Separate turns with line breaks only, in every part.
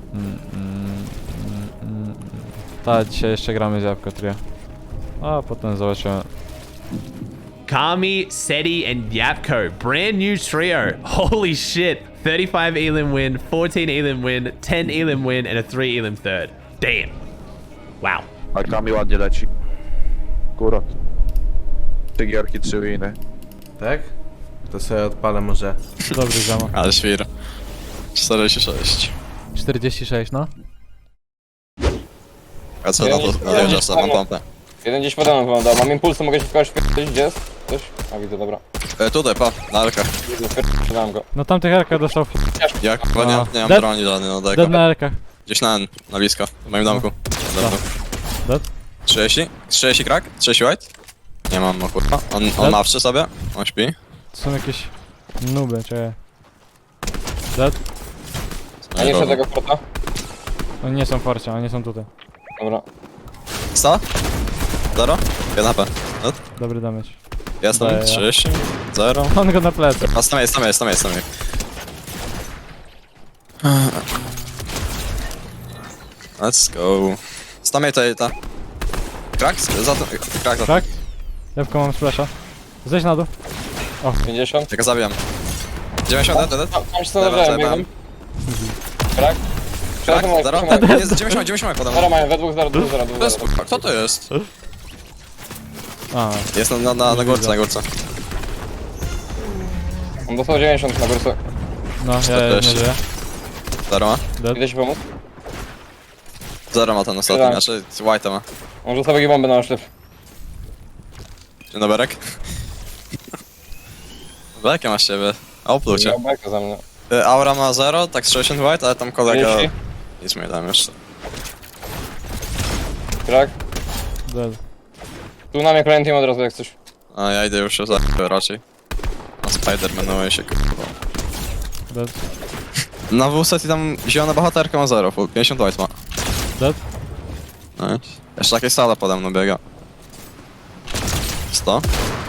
Ta, dzisiaj jeszcze gramy z Jabłko Trio. A potem zobaczymy.
Kami, Seti, and Yapko. Brand new trio. Holy shit. 35 Elim win, 14 Elim win, 10 Elim win, and a 3 Elim third. Damn. Wow.
A Kami ładnie leci. Akurat. 3 gierki, 3 winy.
Tak? To sobie odpalę może.
Dobry zama.
Ale świr. 46.
46, no.
A co na to? Dojeżdżasz sam, mam pompę.
Jeden gdzieś pode mną wyglądał. Mam impulsy, mogę się w kogoś wpierdolić. Gdzie jest? Coś? A widzę, dobra.
Tutaj, pa, na Elkach.
Widzę, wpierdolałem go.
No tamtych Erkach dostał
Ja chyba nie mam
Dead?
broni żadnej, no
dead
deko.
na Erkach.
Gdzieś na blisko, w moim domku.
Dead?
30? 30 krak? 30 white? Nie mam, no kurwa. On
Dead?
ma przy sobie, on śpi.
To są jakieś nuby, czekaj. Dead?
A nie tego porta?
Oni nie są w forcie, oni są tutaj.
Dobra.
100? 0? 1 HP.
Dobry damage.
Jestem,
Daję.
30, 0.
On go na plecy.
A tam jest. Let's go. Stamej to ta. Krak? Za to. Krak za to.
Tak? Jabłko mam splasha. Zejdź na dół.
50.
Tylko zabijam. 90, dead.
Tam się zastanawiałem, biegłem. Krak?
Krak,
Przepraszam,
0.
przepraszam.
Jest 90 podam.
Zero mają, we dwóch, zero, dwóch, zero,
To jest
dwóch,
kurwa, kto to jest?
A,
Jest na górce.
On dostał 90 na górce.
no, ja nie
40.
żyję.
0 ma?
Dead.
Idę ci pomóc?
0 ma ten ostatni,
Tak.
znaczy white ma.
On rzuca sobie bombę na oszlep.
Dzień dobry. Jakie masz ciebie? Opluł cię.
Miał bajkę za mnie.
Aura ma 0, tak 60 white, ale tam kolega...
30.
Nic mi dam jeszcze.
Krak?
Dead.
Tu na mnie kolejny team od razu jak coś.
A ja idę już za raczej. Na Spider-Manuje się kurwa.
Dead.
Na WSET i tam zielona bohaterka ma 0, full 50 white ma.
Dead.
No i jeszcze jakieś sala pode mną biega. 100?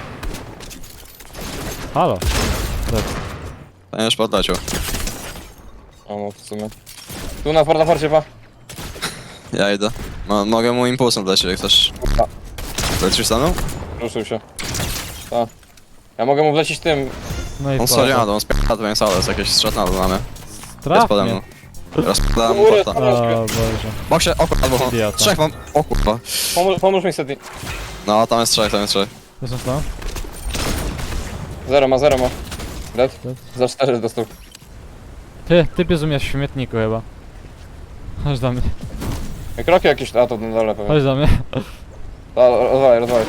Halo. Dead.
Ten już podleciał.
O, no w sumie. Tu na forcie pa.
Ja idę. Mogę mu impulsem wlecieć jak chcesz.
Kurwa.
Lecisz za mną?
Ruszył się. Tak. Ja mogę mu wlecieć tym.
No i
On schodzi na dół, on spiera twoją salę, jest jakieś strzał na mnie. Jest pode mną.
Trafnie.
Rozpadam mu
Góry,
porta.
O Boże.
Boksie, o kurwa, albo
Idiota.
3 mam. O kurwa.
Pomóż mi Seti.
No, tam jest 3.
To są to?
Zero ma. Dead?
Dead.
Za 4 dostał.
Ty umiesz w śmietniku chyba. Chodź do mnie.
Kroki jakieś, a to na dole pewnie.
Chodź do mnie.
Rozwalaj.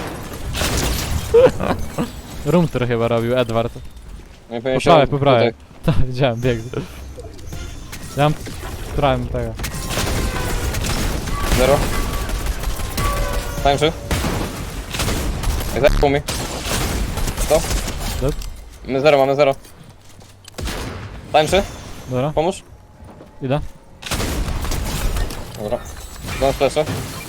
Room tour chyba robił Edward.
Nie powinien
Po prawej.
tutaj.
Tak, widziałem, biegł. Ja mam... Trałem tego.
Zero. Tańczy. Jak zajęło mi. Co?
Dead.
Mamy zero. Tańczy.
Dobra,
Pomóż.
idę.
Dobra. Dam flesze.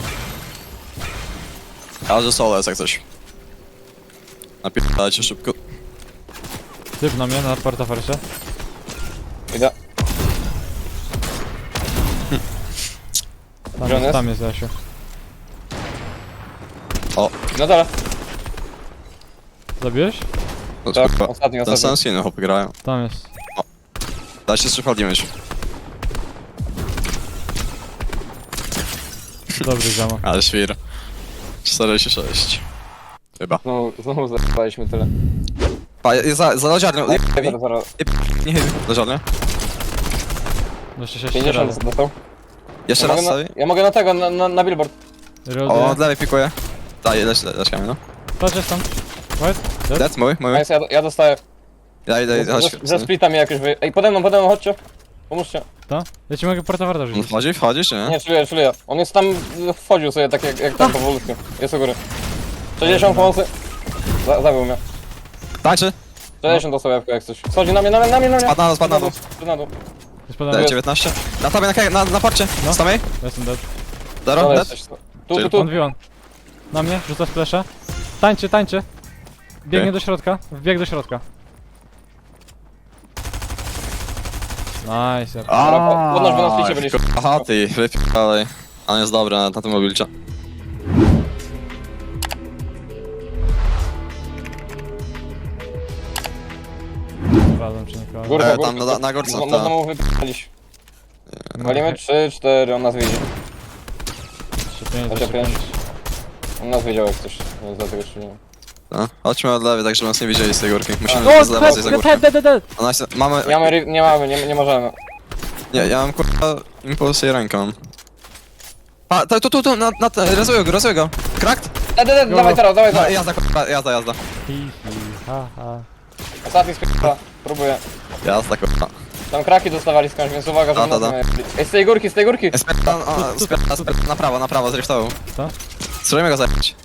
Ale że solo jest jak coś. Napierdalajcie szybko.
Typ na mnie, na portafercie.
Idę. Gdzie on jest?
Tam jest Jasiu.
Na dole.
Zabiłeś?
No,
Tak,
kurwa.
ostatni.
Ten Sensiny chłopy grają.
Tam jest.
Dajcie strzykładnie się.
Dobry zama.
Ale świr. 46. Chyba.
Znowu zajebaliśmy tyle.
Pa, za lodziarnią.
Zero.
Nie, lodziarnią.
Jeszcze 6
50 dostał.
Jeszcze raz sobie.
Ja mogę na tego, na billboard.
O, od lewej pikuje. Daj, leć kamień, no.
Patrz, jest tam. White? Dead?
Dead, mój.
Nice, ja dostaję.
Ja idę, chodź.
Ze splitami jakoś wy... Ej, pode mną, chodźcie. Pomóżcie.
Ta? Ja ci mogę portaferta
On
rzucić.
wchodzi, czy nie?
Nie, czuję. On jest tam, wchodził sobie tak jak tam powolutku. Jest u góry. 60 pomocy. Zabił mnie.
Tańczy.
60 dostał jabłko jak coś. Schodzi na mnie.
Spadł na dół.
Na dół.
Jest podane.
Daj, 19. Na tobie, na porcie.
No.
Stamej.
Jestem dead.
Zero,
Dole
dead.
jesteś. Tu.
On wbił on. Na mnie, rzuca splasha. Tańczy. Biegnie
Okej.
do środka. Wbieg do środka. Nice. Ja...
Dobra, podnoś, bo na spicie byliśmy.
Aha, ty, wypierdalaj. On jest dobry na tym mobilcie.
Razem czy nikogo.
Górka,
Tam
górka.
na górce,
Można
tak.
mu wypalić. Walimy 3, 4, on nas widzi.
Jeszcze 5,
Chociaż
jeszcze 5.
5. On nas wiedział jak coś, więc dlatego strzeliłem.
No. Chodźmy od lewej, tak żeby nas nie widzieli z tej górki. Musimy
O,
z lewej zjeść za górkę.
dead.
Ona jest, mamy...
Nie możemy.
Nie, ja mam kurwa impulsy i ręką. A, tu, rezuję go. Krakt?
Dawaj teraz, dawaj
No,
teraz.
jazda, kurwa, jazda.
Hihi, haha.
Ostatni spiera. Próbuję.
Jazda, kurwa.
Tam kraki dostawali skądś, więc uwaga, żeby
Da,
nas
da.
nie... Ej, z tej górki, z tej górki!
Na prawo, zriftował.
Co?
go zajebać.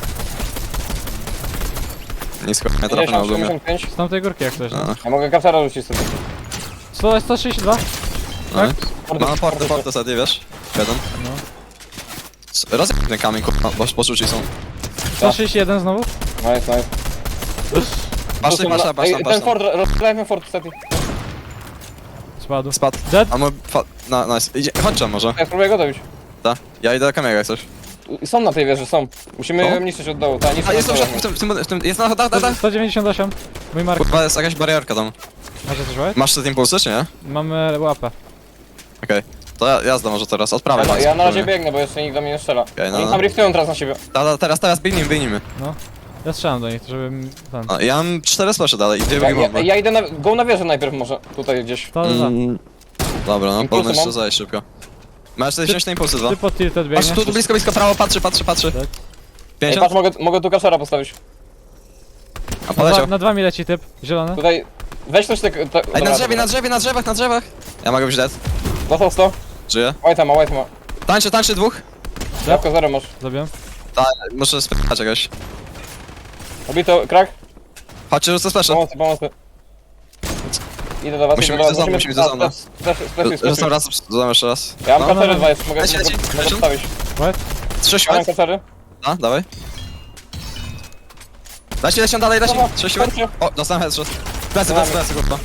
Nisko, nie trafię na
50,
ogólnie.
75.
Z tamtej górki jak coś, no.
No,
Ja mogę kapsara rzucić sobie.
162?
no. Mam porty sobie, wiesz? Jeden.
No.
Rozjeb ten kamień, kurwa, bo poczuci są.
161 znowu?
Nice.
Patrz,
Ej, ten fort, rozgrajmy fort, niestety.
Spadł.
Spadł.
Dead?
A mój... No, nice. Chodź tam może.
Ja spróbuję go dobić.
Tak. Ja idę do kamienia jak coś.
Są na tej wieży, są. Musimy
Co?
ją niszczyć od dołu, tak,
A jest
niszczyć
w tym, jest na dach.
198. Mój mark.
Kurwa, jest jakaś barierka tam.
Macie coś łapać?
Masz te impulsy, czy nie?
Mamy łapę.
Okej. To jazda może teraz, od prawej.
Ja na razie biegnę, bo jeszcze nikt do mnie nie strzela.
Okej, no,
Oni
no.
tam riftują teraz na siebie.
Teraz biegnijmy.
Ja strzelam do nich, żeby... Ten.
No, ja mam 4 splasze dalej i 2 bomby.
Ja idę go na wieżę najpierw może, tutaj gdzieś.
To za.
Dobra, no,
Impulsy
powinno jeszcze
mam.
zajść szybko. Masz 40 na impulsy, dwa.
Ty pod tilted
Patrz,
biegniesz.
tu blisko, prawo, patrzy.
Tak.
Ej,
50?
patrz, mogę tu kaszara postawić.
A poleciał.
Na 2 mi leci typ. Zielony.
Tutaj, weź coś tak...
Ej, na drzewach. Ja mogę być dead.
Dostał 100.
Żyję.
White ma.
Tańczy dwóch.
Jabłko 0 masz.
Zabiłem.
Tak, muszę spytać czegoś.
Obito, krak.
Chodźcie, rzucę splasze.
Pomocy. Idę do was,
Musimy
idę do was.
iść do zonu, musimy iść do zonu. Rzucę raz, dodam jeszcze raz.
Ja mam
No.
kacery 2 jeszcze, mogę
Leci.
postawić.
What?
3
Ja mam
siłek.
kacery.
A, dawaj. Leci dalej.
Dobra,
3 siłek.
chodźcie.
O, dostałem headshot. Plecy, kurwa.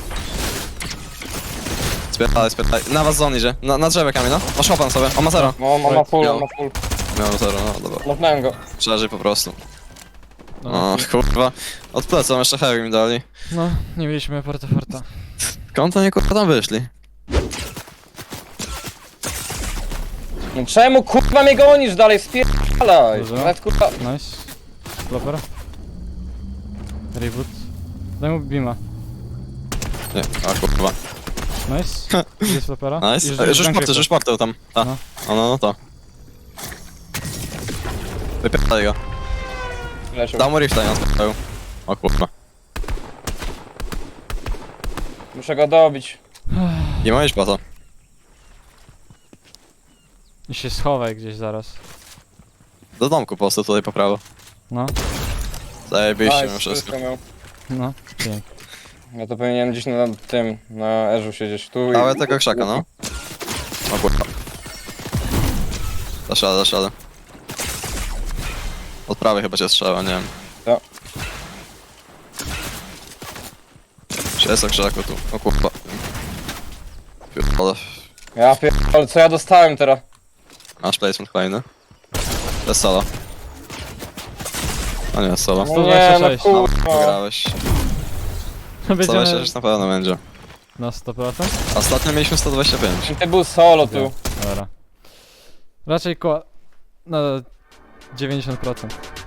Spytaj. Na was zon idzie. Na drzewie kamień, no. Masz łopan sobie. On ma zero.
No, on ma full,
Miał.
on ma full.
Miał zero, no dobra.
Mochnąłem go.
Przeżyj po prostu. O, kurwa. Od plecą jeszcze heavy mi dali.
No, nie mieliśmy forta.
Skąd oni kurwa tam wyszli?
No czemu kurwa mnie gonisz dalej? Spierdalaj!
Dobrze.
Nawet kurwa...
Nice. Flopper. Reboot. Daj mu beama.
Nie, a kurwa.
Nice. Jest flopera.
Nice.
I
Rzuć porty tam. A.
No.
No to. Wypierdaj go.
Leciał.
Dał mu rifta i on spotkał. O kurwa.
Muszę go dobić.
Nie ma iść po to.
I się schowaj gdzieś zaraz.
Do domku po prostu tutaj po prawo.
No.
Zajebiście
Nice,
mi wszystko.
miał.
No. Pięknie.
Ja to powinienem gdzieś na tym, na Erzu siedzieć. Tu i...
Dawaj tego krzaka, no. O kurwa. Dasz radę. Od prawej chyba cię strzela, nie wiem.
Ja.
Czy jest o krzaku tu? O kurwa. Pierdolę.
Ja pierdolę, co ja dostałem teraz?
Masz placement kolejny. To jest solo. A nie, solo.
No nie, no
126.
No,
kurwa.
wygrałeś.
Będziemy
126 na pewno będzie.
na 100%?
Ostatnio mieliśmy 125.
Ty był solo tu.
Dobra. Raczej koło... na 90%.